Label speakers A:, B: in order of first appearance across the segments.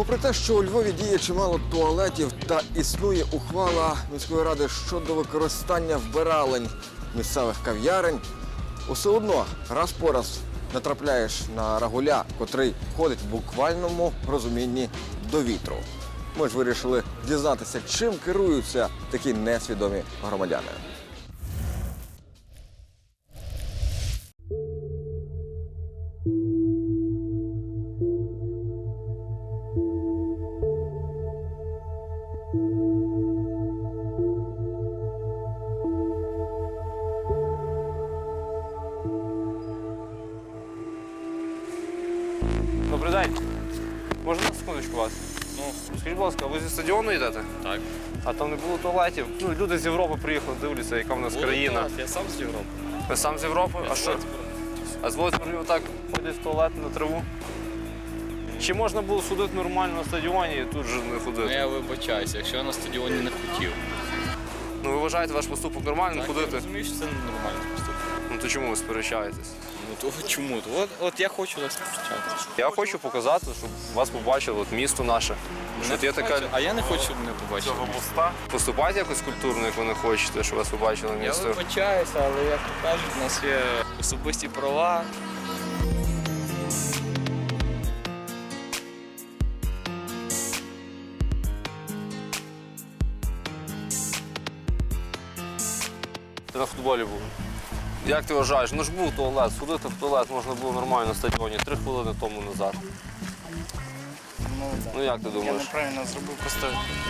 A: Попри те, що у Львові діє чимало туалетів та існує ухвала міської ради щодо використання вбиралень місцевих кав'ярень, усе одно раз по раз натрапляєш на рагуля, котрий ходить в буквальному розумінні до вітру. Ми ж вирішили дізнатися, чим керуються такі несвідомі громадяни.
B: Добрий день. Можна на секундочку вас? Ну, скажіть, будь ласка, ви зі стадіону йдете?
C: Так.
B: А там не було туалетів? Ну, люди з Європи приїхали, дивляться, яка в нас країна.
C: Я сам з Європи.
B: Ви сам з Європи? А що? А з Володимирів отак ходять в туалет на траву? Чи можна було судити нормально на стадіоні і тут же не
C: Ну,
B: ходити?
C: я вибачаюся, якщо я на стадіоні не хотів.
B: Ну, ви вважаєте ваш поступок нормальним
C: Так, я
B: ходити?
C: розумію, що це ненормально поступок.
B: Ну, то чому ви сперечаєтесь?
C: Ну, то чому? От я хочу так сперечатися.
B: Я хочу показати, щоб вас побачили, от місто наше. Що от є така...
C: А я не хочу, щоб мене побачили.
B: Поступайте якось культурно, як ви не хочете, щоб вас побачили
C: Я
B: місто.
C: вибачаюся, але як то кажуть, у нас є особисті права.
B: Ти на футболі був. Як ти вважаєш? Ну ж був туалет, сходити в туалет можна було нормально на стадіоні 3 хвилини тому назад. Ну як ти
D: Я
B: думаєш?
D: неправильно зробив, просто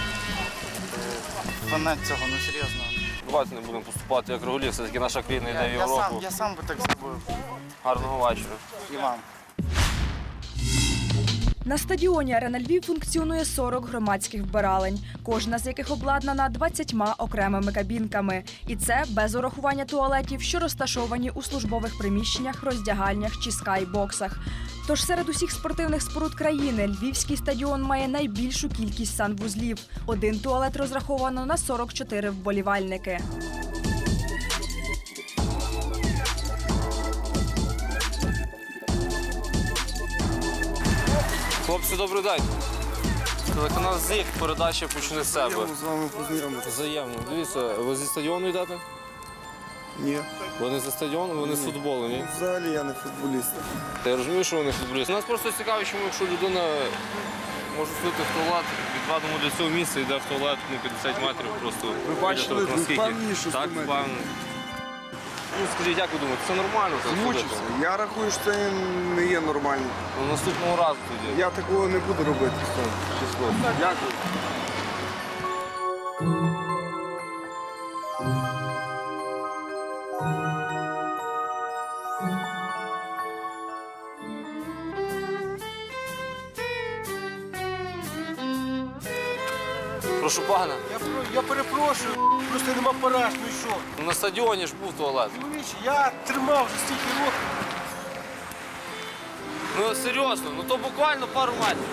D: фанат цього, ну серйозно.
B: Давайте не будемо поступати як регулі, все-таки наша країна йде в Європу.
D: Я сам би так зробив.
B: Гарного вечора.
D: І вам.
E: На стадіоні «Арена Львів» функціонує 40 громадських вбиралень, кожна з яких обладнана 20 окремими кабінками. І це без урахування туалетів, що розташовані у службових приміщеннях, роздягальнях чи скайбоксах. Тож серед усіх спортивних споруд країни Львівський стадіон має найбільшу кількість санвузлів. Один туалет розраховано на 44 вболівальники.
B: Хлопці, добрий день. Телеканал ЗІК, передача «Почни з себе».
F: З вами познайомитися.
B: Взаємно. Дивіться, ви зі стадіону йдете?
F: Ні.
B: Ви не за стадіону, ви не з футболу, ні?
F: Взагалі я не футболіст.
B: Та я розумію, що ви не футболіст. Нас просто цікаво, чому якщо людина може сходити в туалет, відведемо для цього місця, йде в туалет на 50 метрів просто.
F: Ви бачили,
B: Наскільки?
F: ви впевнені, що 100
B: Так,
F: метрів?
B: впевнений. Ну, скажіть, як ви думаєте, це нормально? Так
F: Змучився.
B: ходити?
F: Я рахую, що це не є нормально.
B: Ну, наступного разу тоді.
F: Я такого не буду робити.
B: Число.
F: Дякую.
B: Прошу пана,
G: Я перепрошую, просто нема параж, ну і що?
B: ну, на стадіоні ж був туалет.
G: Чоловіче, я тримав вже стільки років.
B: Ну серйозно, ну то буквально пару метрів.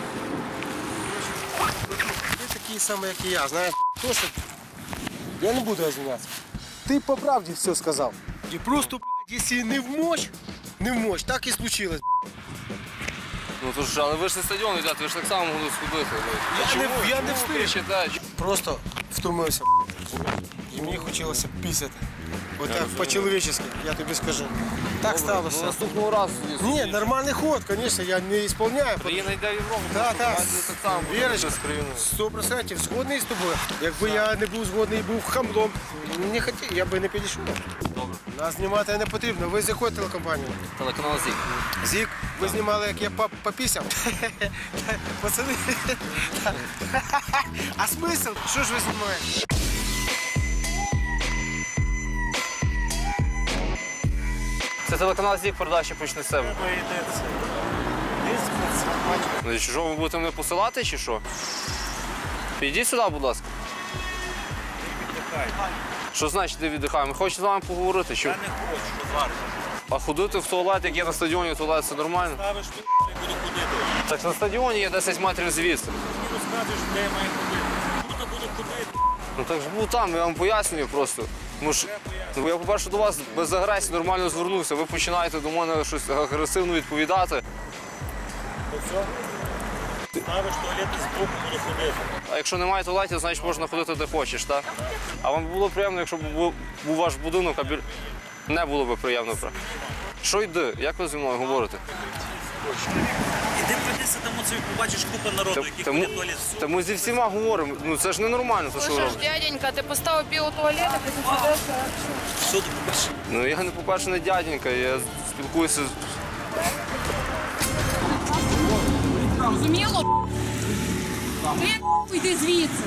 G: Ти такий самий, як і я, знаєш, то що я не буду розвиватися. Ти по правді все сказав. І просто, блядь, якщо не вмочь, так і случилось.
B: Ну то ж, але ви ж на стадіон йдете, ви ж так само могли сходити.
G: Я не встиг.
B: Кричите?
G: Просто втомився, і мені хотілося пісяти. Отак, по-чоловічески, я тобі скажу. Так
B: Ну,
G: сталося.
B: наступного разу.
G: Ні, нормальний ход, звісно, я не виконую.
B: Країна йде в Європу,
G: Так, так.
B: так само буде
G: Вірочка,
B: з країною.
G: 100% згодний з тобою. Якби я не був згодний і був хамлом, не хотів, я би не підійшов.
B: Добре.
G: Нас знімати не потрібно. Ви з якої телекомпанії?
B: Телеканал ЗІК.
G: ЗІК? Ви знімали, як я попісяв? Пацани. А смисл? Що ж ви знімаєте?
B: Це телеканал ЗІК, передача «Почни з себе». Ну і що, ви будете мене посилати чи що? Підійдіть сюди, будь ласка. Що значить, де віддихаємо? Ми хочемо з вами поговорити. Що? Я не хочу, що зараз. А ходити в туалет, як є на стадіоні, туалет, це нормально? Ставиш тут, і буду ходити. Так на стадіоні є 10 метрів звідси. Ти мені розказуєш, де я маю ходити. Тут буду ходити. Ну так ж був там, я вам пояснюю просто. Ну, я, по-перше, до вас без агресії нормально звернувся. Ви починаєте до мене щось агресивно відповідати.
H: Ставиш туалет і збоку буду ходити.
B: А якщо немає туалетів, значить можна ходити де хочеш, так? А вам було приємно, якщо б був ваш будинок, а не було б приємно. Що йди? Як ви зі мною говорите?
H: Іди прийдися, там оце побачиш купу народу, який ходить в туалет.
B: Та ми зі всіма говоримо. Ну це ж ненормально, то що ви
I: Слушай,
B: робите.
I: дяденька, ти поставив білу туалет, а ти сюди.
H: Що ти побачиш?
B: Ну я не по-перше не дяденька, я спілкуюся з.
I: Зрозуміло? Ти йди звідси.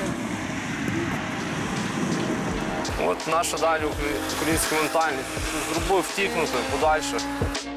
B: От наша далі українська ментальність. Зробив втікнути подальше.